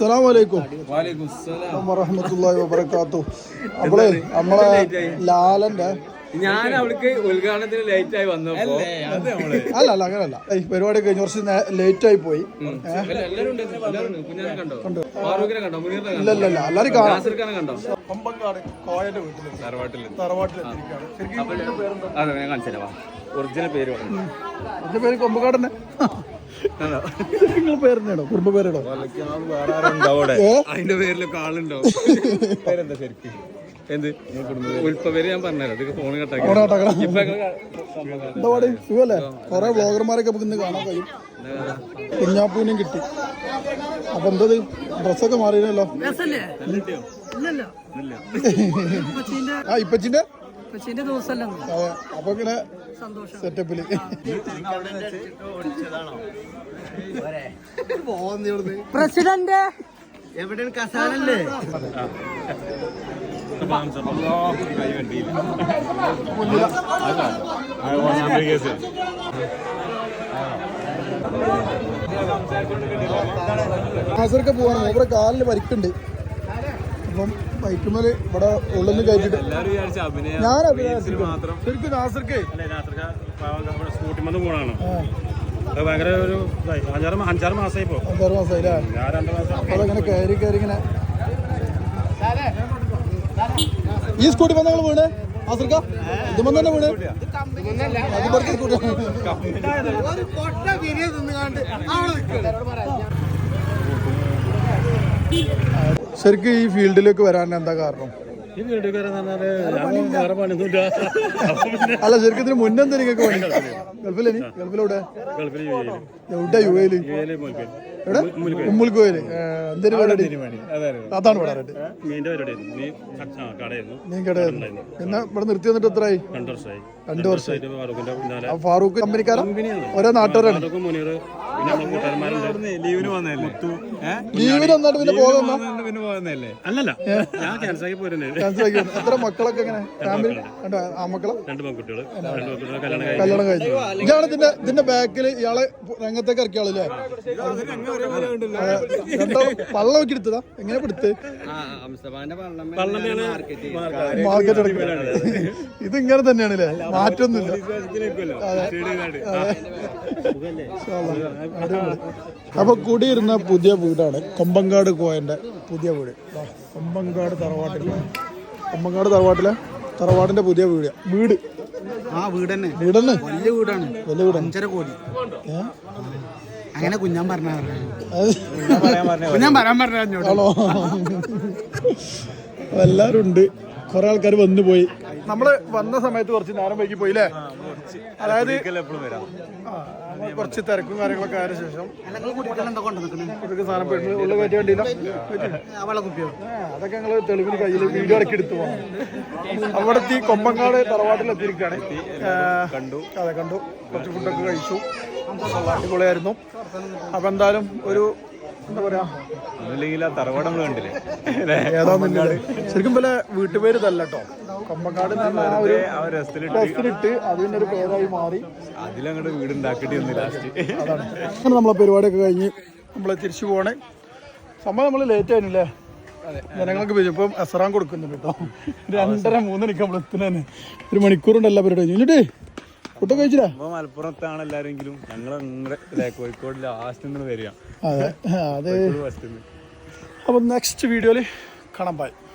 അസ്സലാമു അലൈക്കും വറഹ്മത്തുള്ളാഹി വബറകാതുഹു. നമ്മളെ നമ്മളെ ലാലന്റെ ഞാൻ അവൾക്ക് ഉദ്ഘാടനത്തിന് ലേറ്റ് ആയി വന്നപ്പോ അല്ല അങ്ങനല്ല പരിപാടി കഴിഞ്ഞ കുറച്ച് ലേറ്റ് ആയി പോയി. ഇല്ലല്ല എല്ലാരും കണ്ടോ കൊമ്പങ്കാട് കോയന്റെ വീട്ടില് തറവാട്ടിലെത്തിയിരിക്കുകയാണ്. ഒറിജിനൽ പേര് എന്റെ പേര് കൊമ്പങ്കാട് തന്നെ. നിങ്ങളെ പേരെന്നാണോ കുടുംബ പേരാണോ? അതിന്റെ പേരിലൊക്കെ ആളുണ്ടോ? പേരെന്താ ശരിക്കും? എന്ത് ഉൽപ്പ പേര് ഞാൻ പറഞ്ഞുതരാം. ഫോൺ കട്ടാക്കി സുഖല്ലേ? കൊറേ വ്ളോഗർമാരൊക്കെ നമുക്ക് ഇന്ന് കാണാൻ കഴിയും. കുഞ്ഞാപ്പൂനും കിട്ടി. അപ്പൊ എന്തത് ഡ്രസ്സൊക്കെ മാറിയല്ലോ. ഇപ്പച്ചിന്റെ അപ്പൊ ഇങ്ങനെ സെറ്റപ്പില് പ്രസിഡന്റ് എവിടെയാണ് കസാലല്ലേ? നാസർക്ക് പോവാണ്. ഇവിടെ കാലിന് പരിക്കുണ്ട്. അപ്പം ബൈക്കുമേല് ഇവിടെ ഉള്ളിന്ന് കയറ്റിട്ട് ഞാൻ ശരിക്കും നാസർക്ക് സ്കൂട്ടിമന്ന് പോണാണ്. ഭയങ്കര ഒരു 5-6 മാസമായി. 5-6 മാസമായില്ലേ? അതങ്ങനെ കയറി ഇങ്ങനെ ഈ സ്കൂട്ടി വന്ന് നിങ്ങൾ വീണ് നാസർക്ക ഇത് വന്ന് തന്നെ വീണ് ശരിക്കും ഈ ഫീൽഡിലേക്ക് വരാൻ എന്താ കാരണം? അല്ല ശരിക്കും ഇതിന് മുന്നെന്താ നിങ്ങൾക്ക് പണി? ഗൾഫിലെ ഗൾഫിലൂടെ എവിടെ? യു എയില് എവിടെ? ഉമ്മുൽക്കോയില്. എന്തൊരു പരിപാടി? അതാണ് പറയാറുണ്ട്. മീൻ കടയായിരുന്നു. പിന്നെ ഇവിടെ നിർത്തി വന്നിട്ട് എത്രയായി? 2 വർഷമായി. ഫാറൂഖ് കമ്പനിക്കാരൻ ഒരേ നാട്ടുകാരാണ്. ലീവിന് വന്നിട്ട് പിന്നെ പോകുന്നല്ലേ? അല്ലല്ല, ഞാൻ ക്യാൻസൽ ആക്കി പോരുന്നേ. എത്ര മക്കളൊക്കെ എങ്ങനെ? ഫാമിലി? ആ മക്കളെ 2 പെൺകുട്ടികള് കല്യാണം കഴിഞ്ഞു. ഇയാളെ ഇതിന്റെ ബാക്കിൽ ഇയാളെ രംഗത്തേക്ക് ഇറക്കിയാളല്ലേ? വള്ളം ഒക്കെ എടുത്തതാ? എങ്ങനെ എടുത്ത് മാർക്കറ്റ് ഇത് ഇങ്ങനെ തന്നെയാണല്ലേ? മാറ്റൊന്നുമില്ല. അപ്പൊ കൂടിയിരുന്ന പുതിയ വീടാണ് കൊമ്പങ്കാട് കോയന്റെ പുതിയ വീട്. കൊമ്പങ്കാട് തറവാട്ടിലെ തറവാടിന്റെ പുതിയ വീട്. വീടന്നെ വലിയ വീടാണ്. 5.5 കോടി. അങ്ങനെ കുഞ്ഞാൻ പറഞ്ഞോ? എല്ലാരും ഉണ്ട്. കുറെ ആൾക്കാർ വന്നു പോയി. നമ്മള് വന്ന സമയത്ത് കുറച്ച് നേരം വൈകി പോയില്ലേ? അതായത് കുറച്ച് തിരക്കും കാര്യങ്ങളൊക്കെ ആയ ശേഷം സാധനം ഉള്ള കയറ്റി വേണ്ടിയില്ല. അതൊക്കെ ഞങ്ങള് തെളിവിന് കയ്യിൽ വീഡിയോ ഇറക്കി എടുത്തു പോകണം. അവിടെത്തി കൊമ്പങ്കാട് തറവാട്ടിലെത്തിയിരിക്കുകയാണ്. അതെ കണ്ടു. കുറച്ച് ഫുഡൊക്കെ കഴിച്ചു. അടിപൊളിയായിരുന്നു. അപ്പൊ എന്തായാലും ഒരു എന്താ പറയാ തറവാടം കണ്ടില്ലേ? ഏതാന്നില്ല ശരിക്കും പോലെ വീട്ടുപേര് ഇതല്ല കേട്ടോ. കൊമ്പങ്കാട് രസത്തിലിട്ട് അതിന്റെ ഒരു പേരായി മാറി അതിലങ്ങോട്ട് വീടുണ്ടാക്കേണ്ടി വന്നു ലാസ്റ്റ്. അതാണ്. അങ്ങനെ നമ്മളെ പരിപാടിയൊക്കെ കഴിഞ്ഞ് നമ്മളെ തിരിച്ചു പോകണേ. സംഭവം നമ്മള് ലേറ്റ് ആയിരുന്നില്ലേ? ജനങ്ങൾക്ക് ഇപ്പം എസറാൻ കൊടുക്കുന്നുണ്ട് കേട്ടോ. 2:30-3 മണിക്ക് നമ്മൾ എത്തുന്നതന്നെ. 1 മണിക്കൂറുണ്ട് എല്ലാ പരിപാടി കഴിഞ്ഞിട്ട്. ഫുഡ് കഴിച്ചില്ലേ? മലപ്പുറത്താണ് എല്ലാരെങ്കിലും. ഞങ്ങൾ കോഴിക്കോട് ലാസ്റ്റ് വരിക. അതെ. അപ്പൊ നെക്സ്റ്റ് വീഡിയോയില് കാണാൻ. ബൈ.